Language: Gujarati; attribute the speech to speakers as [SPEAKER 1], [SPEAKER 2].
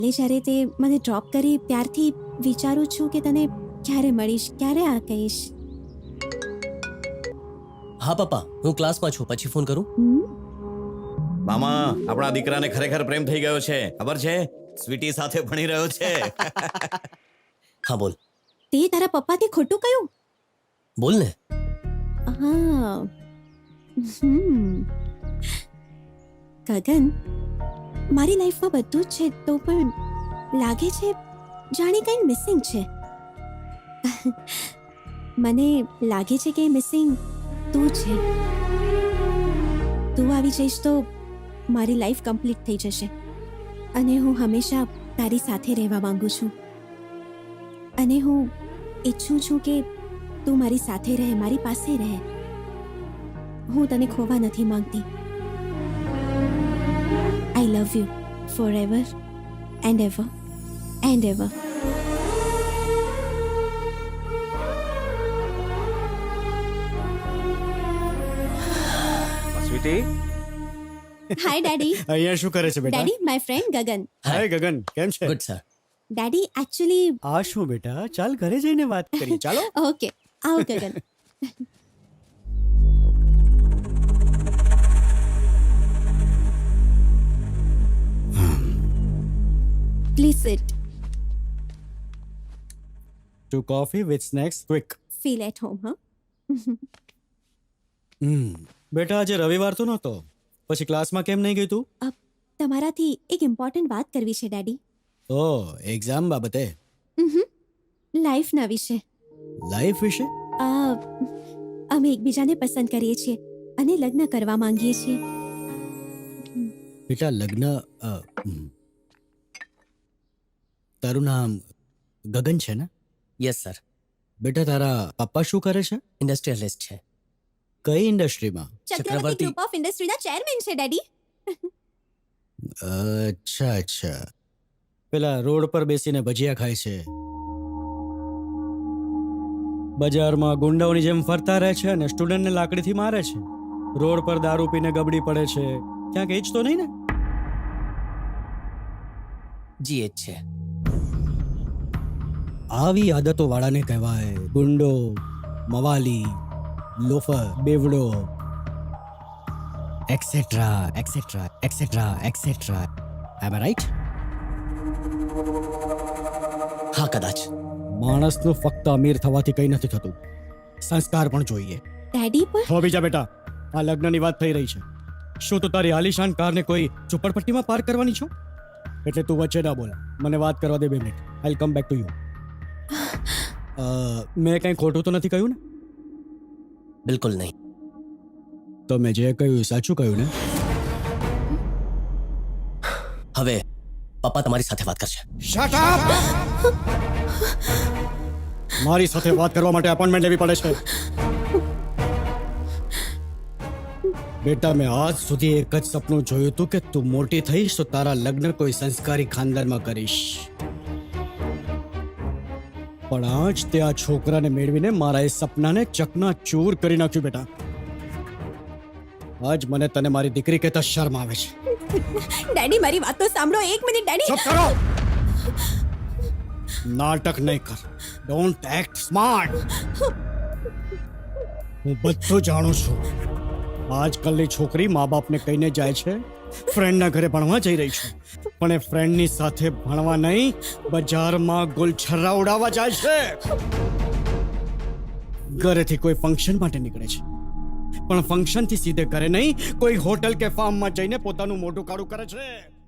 [SPEAKER 1] જ્યારે તે મને ડ્રોપ કરી ત્યારથી વિચારું છું કે તને ક્યારે મળીશ, ક્યારે આ કહીશ.
[SPEAKER 2] હા પપ્પા, હું ક્લાસમાં છું, પછી ફોન કરું.
[SPEAKER 3] મામા, આપણા દીકરાને ખરેખર પ્રેમ થઈ ગયો છે, ખબર છે? સ્વીટી સાથે ભણી રહ્યો છે.
[SPEAKER 2] હા બોલ.
[SPEAKER 1] તે તારા પપ્પાથી ખોટું કયું?
[SPEAKER 2] બોલ ને.
[SPEAKER 1] હા. ગગન, મારી લાઈફમાં બધું જ છે, તો પણ લાગે છે જાણે કંઈ મિસિંગ છે. મને લાગે છે કે મિસિંગ તું છે. તું આવી જઈશ તો મારી લાઈફ કમ્પ્લીટ થઈ જશે અને હું હંમેશા તારી સાથે રહેવા માંગુ છું. અને હું ઈચ્છું છું કે તું મારી સાથે રહે, મારી પાસે રહે. હું તને ખોવા નથી માંગતી. I love you forever and ever and ever.
[SPEAKER 4] Sweetie,
[SPEAKER 1] Hi daddy.
[SPEAKER 5] અહીંયા શું કરે છે બેટા?
[SPEAKER 1] Daddy, my friend Gagan.
[SPEAKER 5] હાય ગગન, કેમ છે?
[SPEAKER 2] Good sir.
[SPEAKER 1] Daddy, actually,
[SPEAKER 5] આ શું બેટા, ચાલ ઘરે જઈને વાત કરી. ચાલો.
[SPEAKER 1] okay. આવો ગગન. Please sit.
[SPEAKER 5] Two coffee with snacks, quick.
[SPEAKER 1] Feel at home, huh?
[SPEAKER 5] બેટા આજે રવિવાર તો નહોતો, પછી ક્લાસમાં કેમ નહીં ગઈ તું?
[SPEAKER 1] તમારાથી એક ઇમ્પોર્ટન્ટ વાત કરવી છે ડેડી.
[SPEAKER 5] ઓ, એક્ઝામ બાબતે?
[SPEAKER 1] લાઈફના વિશે.
[SPEAKER 5] લાઈફ વિશે?
[SPEAKER 1] અમે એકબીજાને પસંદ કરીએ છીએ અને લગ્ન કરવા માંગીએ છીએ.
[SPEAKER 5] બેટા લગ્ન તારું નામ ગગન છે ને?
[SPEAKER 2] Yes sir.
[SPEAKER 5] બેટા તારા પપ્પા શું કરે છે?
[SPEAKER 2] ઇન્ડસ્ટ્રીયલિસ્ટ છે.
[SPEAKER 5] કઈ ઇન્ડસ્ટ્રીમાં?
[SPEAKER 1] ચક્રવર્તી ગ્રુપ ઓફ ઇન્ડસ્ટ્રીના ચેરમેન છે ડેડી.
[SPEAKER 5] અચ્છા અચ્છા. પેલા રોડ પર બેસીને ભજીયા ખાય છે, બજારમાં ગુંડાઓની જેમ ફરતા રહે છે અને સ્ટુડન્ટને લાકડીથી મારે છે, રોડ પર દારૂ પીને ગબડી પડે છે, ક્યાંક એ જ તો નહીં ને?
[SPEAKER 2] જી એચ છે.
[SPEAKER 5] આવી આદતો વાળાને કહેવાય ગુંડો, મવાલી, લોફર, બેવડો, એક્સેટ્રા એક્સેટ્રા એક્સેટ્રા એક્સેટ્રા. એમ રાઈટ?
[SPEAKER 2] હા કદાચ.
[SPEAKER 5] માણસનું ફક્ત અમીર થવાથી કંઈ નથી થતું, સંસ્કાર પણ જોઈએ.
[SPEAKER 1] ડેડી પણ
[SPEAKER 5] હો બીજા બેટા, આ લગ્નની વાત થઈ રહી છે. શું તું તારી આલિશાન કારને કોઈ ઝુંપડપટ્ટીમાં પાર્ક કરવાની છો? એટલે તું વચ્ચે ના બોલ, મને વાત કરવા દે 2 minute. I come back to you. મેં કંઈ ખોટું તો નથી કહ્યું ને?
[SPEAKER 2] બિલકુલ નહીં.
[SPEAKER 5] તો મેં જે કહ્યું સાચું કહ્યું ને?
[SPEAKER 2] હવે પપ્પા તમારી સાથે વાત કરશે.
[SPEAKER 5] Shut up! મારી સાથે વાત કરવા માટે અપોઇન્ટમેન્ટ લેવી પડે છે. બેટા મેં આજ સુધી એક જ સપનું જોયું હતું કે તું મોટી થઈશ તો તારા લગ્ન કોઈ સંસ્કારી ખાનદાનમાં કરીશ. પણ આજ તે આ છોકરાને મેળવીને મારા એ સપનાને ચકનાચૂર કરી નાખ્યું. બેટા આજ મને તને મારી દીકરી કહેતા શરમ આવે છે.
[SPEAKER 1] ડેડી મારી વાત તો સાંભળો. 1 મિનિટ ડેડી.
[SPEAKER 5] ચૂપ કરો! નાટક નહીં કર. Don't act smart. હું બધું જાણું છું. આજકાલની છોકરી મા બાપને કહીને જાય છે ફ્રેન્ડના ઘરે ભણવા જઈ રહી છે, પણ એ ફ્રેન્ડની સાથે ભણવા નહીં, બજારમાં ગુલછર્રા ઉડાવવા જાય છે. ઘરેથી કોઈ ફંક્શન માટે નીકળે છે, પણ ફંક્શનથી સીધે ઘરે નહીં, કોઈ હોટલ કે ફાર્મમાં જઈને પોતાનું મોઢું કાળું કરે છે.